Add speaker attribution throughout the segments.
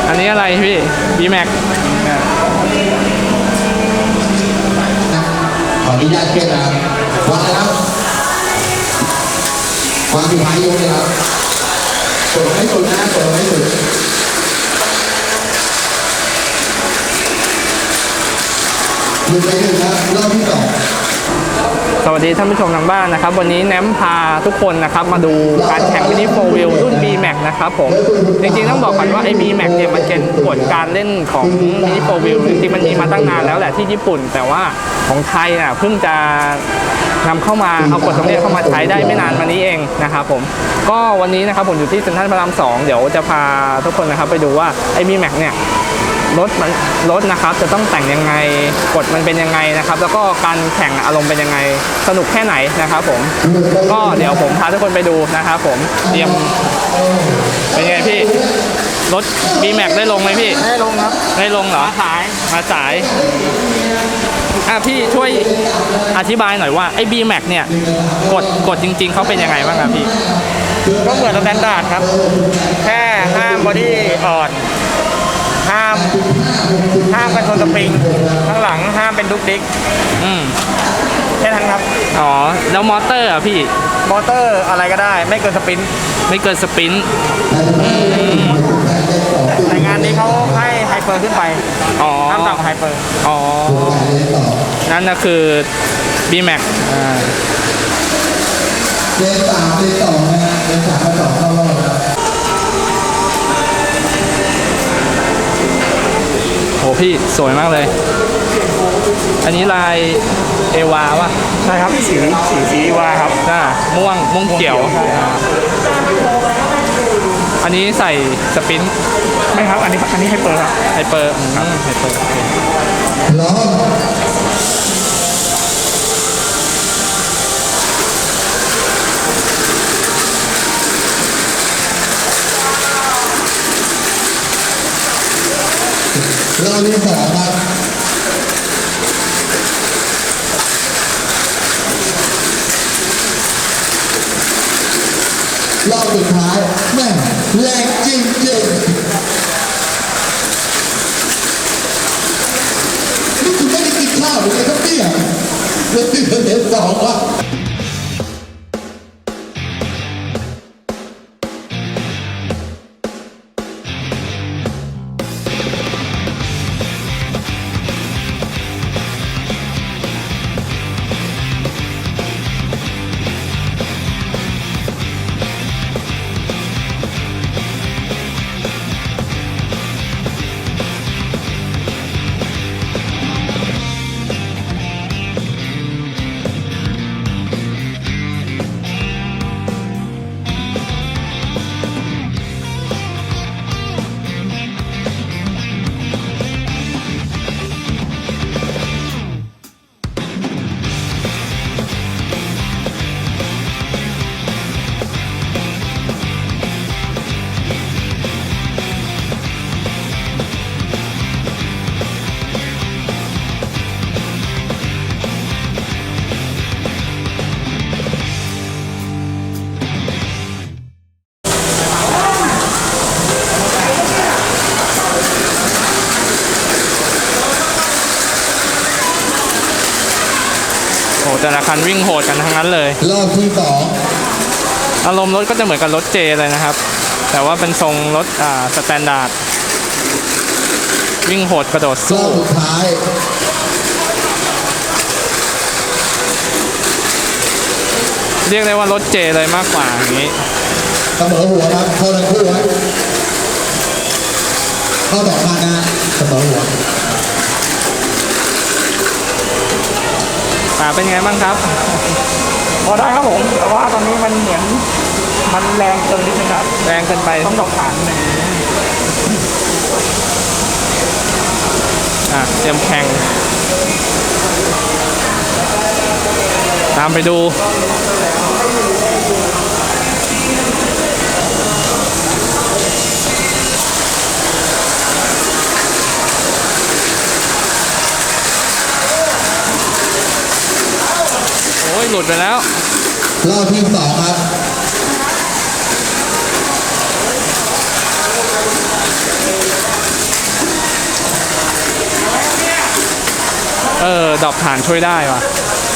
Speaker 1: อันนี้อะไรพี่ B-Max
Speaker 2: ขออนุญาตเก็บนะครับวางนะครับวางที่ท้ายยกเลยครับกดให้สุดนะกดให้สุดหยุดไปหนึ่งครับรอบที่สอง
Speaker 1: สวัสดีท่านผู้ชมทางบ้านนะครับวันนี้แนมพาทุกคนนะครับมาดูการแข่งมินิโฟร์วิลรุ่น B-Max นะครับผมจริงๆต้องบอกก่อนว่าไอ้ B-Max เนี่ยมันเป็นกฎการเล่นของมินิโฟร์วิลจริงๆมันมีมาตั้งนานแล้วแหละที่ญี่ปุ่นแต่ว่าของไทยน่ะเพิ่งจะนำเข้ามาเอากฎตรงนี้เข้ามาใช้ได้ไม่นานมานี้เองนะครับผมก็วันนี้นะครับผมอยู่ที่เซ็นทรัลพระราม2เดี๋ยวจะพาทุกคนนะครับไปดูว่าไอ้ B-Max เนี่ยรถนะครับจะต้องแต่งยังไงกฎมันเป็นยังไงนะครับแล้วก็การแข่งอารมณ์เป็นยังไงสนุกแค่ไหนนะครับผมก็เดี๋ยวผมพาทุกคนไปดูนะครับผมเตรียมเป็นไงพี่รถ B-Max ได้ลงไหมพี่
Speaker 3: ได้ลงครับ
Speaker 1: ได้ลงเหรอมาสายพี่ช่วยอธิบายหน่อยว่าไอ้ B-Max เนี่ยกฎจริงๆเขาเป็นยังไงบ้างครับพี่
Speaker 3: ก็เหมือนสแตนดาร์ดครับแค่ห้ามบอดี้อ่อนห้ามกันชนสปริงข้างหลังห้ามเป็นดุกดิกแค่นั้นครับ
Speaker 1: อ๋อแล้วมอเตอร์อ่ะพี่
Speaker 3: มอเตอร์อะไรก็ได้ไม่เกินสปรินต์แต่งานนี้เขาให้ไฮเปอร์ขึ้นไปห้ามต่ำกว่าไฮเปอร์
Speaker 1: นั่นก็คือ B-Max
Speaker 2: เลนสามเลนสองนะเลนสามมาต่อเข้ารอบครับ
Speaker 1: โหพี่สวยมากเลยอันนี้ลายเอวาวะ
Speaker 3: ใช่ครับสีวาครับ
Speaker 1: ม่วงเขียวอันนี้ใส่สปิน
Speaker 3: ไม่ครับอันนี้ไฮเปอร์ครับ
Speaker 1: ไฮเปอร์
Speaker 2: ล้อรอบที่สองครับรอบสุดท้ายแม่แรงจริงๆนี่คุณไม่ได้กินข้าวหรือไงครับเนี่ยเรื่องที่เห็นสองวะ
Speaker 1: แต่ละคันวิ่งโหดกันทั้งนั้นเลย
Speaker 2: รอบที่สอง
Speaker 1: อารมณ์รถก็จะเหมือนกับรถเจเลยนะครับแต่ว่าเป็นทรงรถสแตนดาร์ดวิ่งโหดกระโดดสู้
Speaker 2: รอบสุดท้าย
Speaker 1: เรียกได้ว่ารถเจเลยมากกว่าอย่างนี้
Speaker 2: เสมอหัวครับเข้าทั้งคู่ไว้เข้าสองคันนะเสมอหัว
Speaker 1: เป็นไงบ้างครับ
Speaker 3: พอได้ครับผมแต่ว่าตอนนี้มันเหมือนมันแรงเกินนิดนึงครับ
Speaker 1: แรงเกินไป
Speaker 3: ต้องดอกฐานหนึ่ง
Speaker 1: เตรียมแข่งตามไปดูหลุดไปแล้ว
Speaker 2: รอบที่สองครับ ร
Speaker 1: ดรอปฐานช่วยได้ว่ะ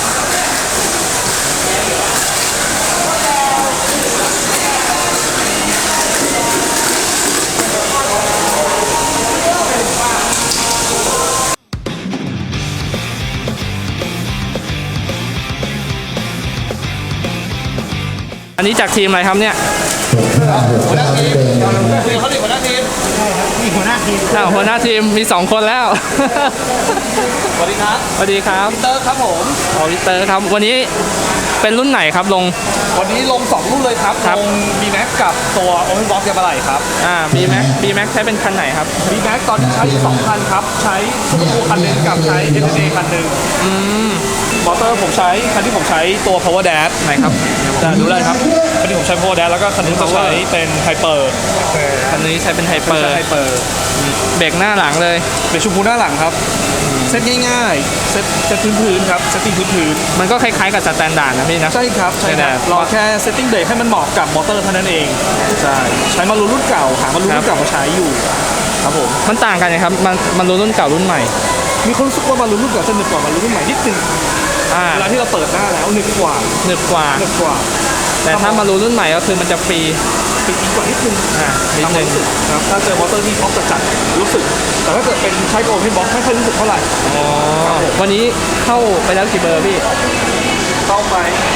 Speaker 1: อันนี้จากทีมอะไรครับเนี่ย
Speaker 3: หัวหน้าทีมเขาดิหัวหน้าทีมนี่หัวหน้าทีม
Speaker 1: หัวหน้าทีมมี2 คนแล้ว
Speaker 3: สวัสดีครับ
Speaker 1: สวัสดีครับ
Speaker 3: เตอร์ครับผม
Speaker 1: วิเตอร์ครับ วันนี้เป็นรุ่นไหนครับลง
Speaker 3: วันนี้ลง2รุ่นเลยครับ
Speaker 1: ครับ
Speaker 3: ลง B-Max กับตัว Open Box ยาบะไหล่ครับ
Speaker 1: B-Max ใช้เป็นคันไหนครับ
Speaker 3: B-Max ตอนนี้ใช้อยู่2คันครับใช้ซูเปอร์คูลคันหนึงกับใช้ SSA คันหนึงมอเตอร์ผมใช้คันที่ผมใช้ตัว Power Dash
Speaker 1: ไหนครับ
Speaker 3: ดูได้ครับคันที่ผมใช้ Power Dash แล้วก็คันนี้จะใช้เป็น Hyper
Speaker 1: คันนี้ใช้เป็นไฮเปอร์
Speaker 3: ไฮเปอร์
Speaker 1: เบรกหน้าหลังเลย
Speaker 3: เป็นชมพูหน้าหลังครับเซตง่ายๆเซตพื้นๆครับเซตติ้งพื้น
Speaker 1: มันก็คล้ายๆกับสแตนดาร์ดนะพี่นะ
Speaker 3: ๆใช่ครับใช่ค
Speaker 1: แต่
Speaker 3: รับรอแค่เซตติ้งเบรกให้มันเหมาะกับมอเตอร์เท่านั้นเองใช่ใช้มารูรุ่นเก่าหามารูรุ่นเก่ามาใช้อยู่ครับผม
Speaker 1: มันต่างกันนะครับ มันรุ่นเก่ารุ่นใหม่
Speaker 3: มีคนรู้สึกว่ามารูรุ่นเก่าจะหนึบกว่ามารูรุ่นใหม่นิดนึงเวลาที่เราเปิดหน้าแล้วหนึบกว่า
Speaker 1: หนึบกว่า
Speaker 3: หนึบกว่า
Speaker 1: แต่ถ้ามารุ่นใหม่ก็คือมันจะฟรี
Speaker 3: ปิดอีกกว่านิดนึง
Speaker 1: นิดนึง
Speaker 3: ครับถ้าเจอมอเตอร์ที่ท็อปจัดๆรู้สึกแต่ถ้าเกิดเป็นใช้โอเพนบ็อกไม่ค่อยรู้สึกเท่าไหร่
Speaker 1: อ๋อ วันนี้เข้าไปแล้วกี่เบอร์พี่
Speaker 3: เข้าไป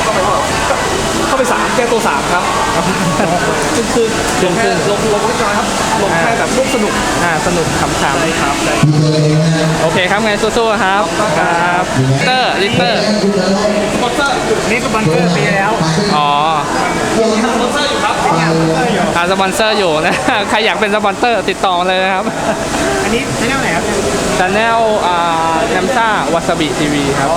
Speaker 3: 3แก้ตัว3ครับคือลงแค่ลงเล็กน้อยครับลงแค่แบบร่วมสนุก
Speaker 1: สนุกขำ
Speaker 3: ใช่ครับใช่
Speaker 1: ๆโอเคครับไงสู้ๆครับครับลิเตอร์
Speaker 3: สปอนเซอร์นี่สปอนเซอร์ปีแล้ว
Speaker 1: อ๋อ
Speaker 3: สปอนเซอร์อยู่ครับ
Speaker 1: สปอนเซอร์อยู่นะ ใครอยากเป็นสปอนเซอร์ติดต่อมาเลยนะครับ
Speaker 3: อันนี้ใช้แนวไหนครับ
Speaker 1: ชาแนลแนมซ่าวาซาบิทีวีครับ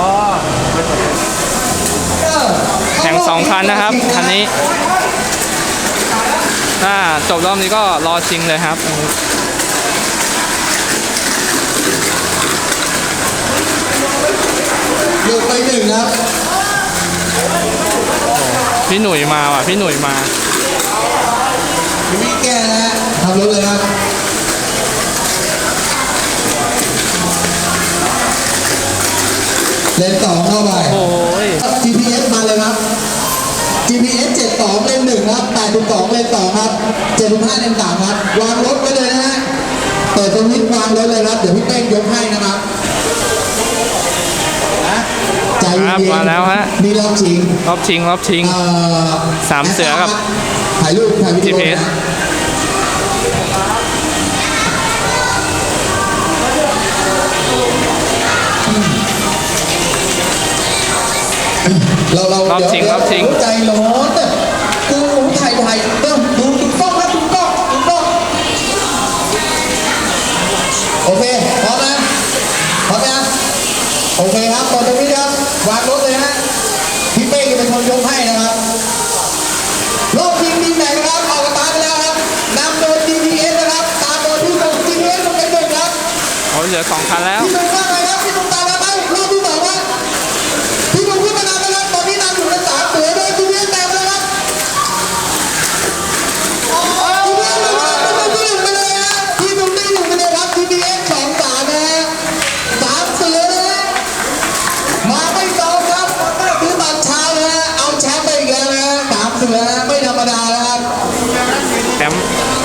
Speaker 1: แข่ง2 คันนะครับ คันนี้จบรอบนี้ก็รอชิงเลยครับ
Speaker 2: หยุดไป1ครับ
Speaker 1: พี่หนุ่ยมาว่ะ พี่หนุ่ยมา
Speaker 2: พี่วิแก้นะฮะทำรถเลยครับเลน2เข้าไป
Speaker 1: โอ้ย
Speaker 2: GPS มาเลยครับ GPS 72เลน1ครับ82เลน2ครับ75เลน3ครับวางรถไว้เลยนะฮะเปิดสวิตช์วางรถเลยครับเดี๋ยวพี่เป้งยกให้นะครับใจเย็น
Speaker 1: ครับมาแล้วฮะ
Speaker 2: นี่รอบชิง
Speaker 1: รอบชิง สามเสือกับ
Speaker 2: ถ่ายรูปถ่ายวิดีโอ
Speaker 1: GPS
Speaker 2: เรา
Speaker 1: รอบชิง
Speaker 2: เดี๋ยว
Speaker 1: รอบชิง
Speaker 2: ใจร้อนอะกูถ่ายเริ่มดูกล้องครับดูกล้องโอเคพร้อมนะพร้อมนะโอเคครับตอนนี้ครับวางรถเลยฮะพี่เป้จะเป็นคนยกให้นะครับรอบชิงทีมไหนนะครับออกกระตาไปแล้วครับนำโดย GPS นะครับตามโดยที่ส่ง GPS ลงไปหนึ่งครับ
Speaker 1: เหลือ 2 คันแล้ว
Speaker 2: พี่หนุ่มว่าไงครับพี่หนุ่มตามแล้วไหมรอบที่สองครับพี่หนุ่มขึ้นมานำแล้วครับตอนนี้นำอยู่ใน3เสือโดย GPS แต้มแล้วครับGPS เลยครับพี่หนุ่มไปเลยฮะพี่หนุ่มได้อยู่ไปเลยครับ GPS 2-3นะฮะ3เสือนะฮะมาไม่ตรงครับคือตอนเช้านะฮะเอาแชมป์ไปอีกแล้วนะฮะ3เสือไม่ธรรมดานะครับ
Speaker 1: แชมป์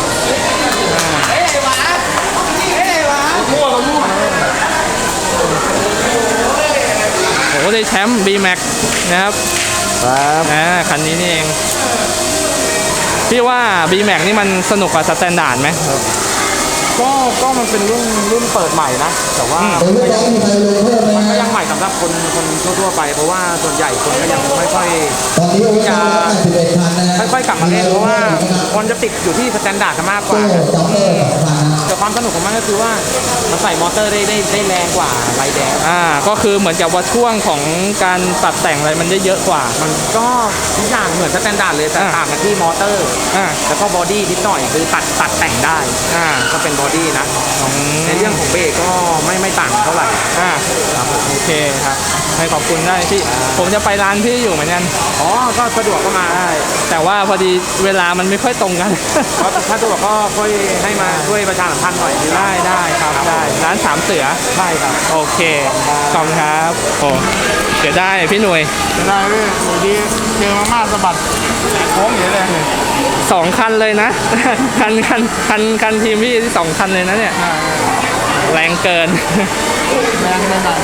Speaker 1: โอ้ได้แชมป์ B-Max นะครับ คันนี้นี่เอง พี่ว่า B-Max นี่มันสนุกกว่าสแตนดาร์ดไหม
Speaker 3: ก็มันเป็นรุ่นเปิดใหม่นะแต่ว่า
Speaker 2: เป็นลูกน้องมีใครลงเพิ่มไหม
Speaker 3: มันก็
Speaker 2: ฮะ
Speaker 3: ยังใหม่สำหรับคนทั่วๆไปเพราะว่าส่วนใหญ่คนก็ยังไม่ค่อย
Speaker 2: ตอนนี้โอ้ย81คันนะฮะ
Speaker 3: ค่อยๆกลับมาเล่นเพราะว่าคนจะติดอยู่ที่สแตนดาร์ดกันมากกว่า
Speaker 2: จ็อกเกอร์2คัน
Speaker 3: แต่ความสนุกของมันก็คือว่ามันใส่มอเตอร์ได้แรงกว่าไรแดง
Speaker 1: ก็คือเหมือนกับว่าช่วงของการตัดแต่งอะไรมันเยอะกว่า
Speaker 3: มันก็ทุกอย่างเหมือนสแตนดาร์ดเลยแต่ต่างกันที่มอเตอร์
Speaker 1: อ่า
Speaker 3: แล้วก็บอดี้นิดหน่อยคือตัดแต่งได้ ก็เป็นบอดี้นะในเรื่องของเบรกก็ไม่ต่างเท่าไหร่
Speaker 1: โอเคครับให้ขอบคุณได้พี่ผมจะไปร้านพี่อยู่เหมือนกัน
Speaker 3: อ๋อก็สะดวกก็มาได้
Speaker 1: แต่ว่าพอดีเวลามันไม่ค่อยตรงกัน
Speaker 3: เพราะถ้าสะดวกก็ค่อยให้มาช่วยประชาสัมพันธ์หน่อยดี
Speaker 1: ได้ครับได้ร้านสามเสือ
Speaker 3: ใช่ครับ
Speaker 1: โอเคขอบคุณครับโอ้เดี๋ยวได้พี่หน่วย
Speaker 3: ได้เลยดีเจอมาม่าสะบัดโค้งอย่างนี้เลย
Speaker 1: 2 คันเลยนะ คันทีมพี่ที่2 คันเลยนะเนี่ยแรงเกิน
Speaker 3: แรงไปหน่อย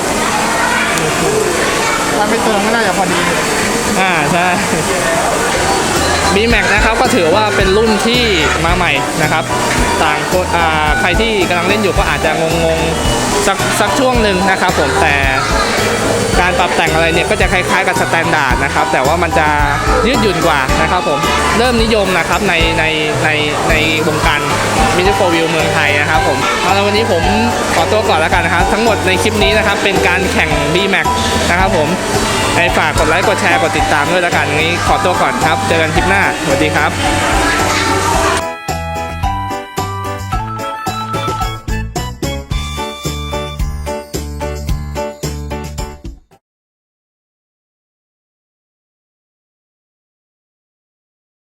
Speaker 3: ถ้าไม่เติมก็น่าจะพอดี
Speaker 1: ใช่ B-Max นะครับก็ถือว่าเป็นรุ่นที่มาใหม่นะครับต่างคนใครที่กำลังเล่นอยู่ก็อาจจะงงสักช่วงหนึ่งนะครับผมแต่การปรับแต่งอะไรเนี่ยก็จะคล้ายๆกับสแตนดาร์ดนะครับแต่ว่ามันจะยืดหยุ่นกว่านะครับผมเริ่มนิยมนะครับในวงการมินิโฟวิวเมืองไทยนะครับผมเอาละวันนี้ผมขอตัวก่อนแล้วกันนะครับทั้งหมดในคลิปนี้นะครับเป็นการแข่ง B-Max นะครับผมฝากกดไลค์กดแชร์กดติดตามด้วยแล้วกันงี้ขอตัวก่อนครับเจอกันคลิปหน้าสวัสดีครับ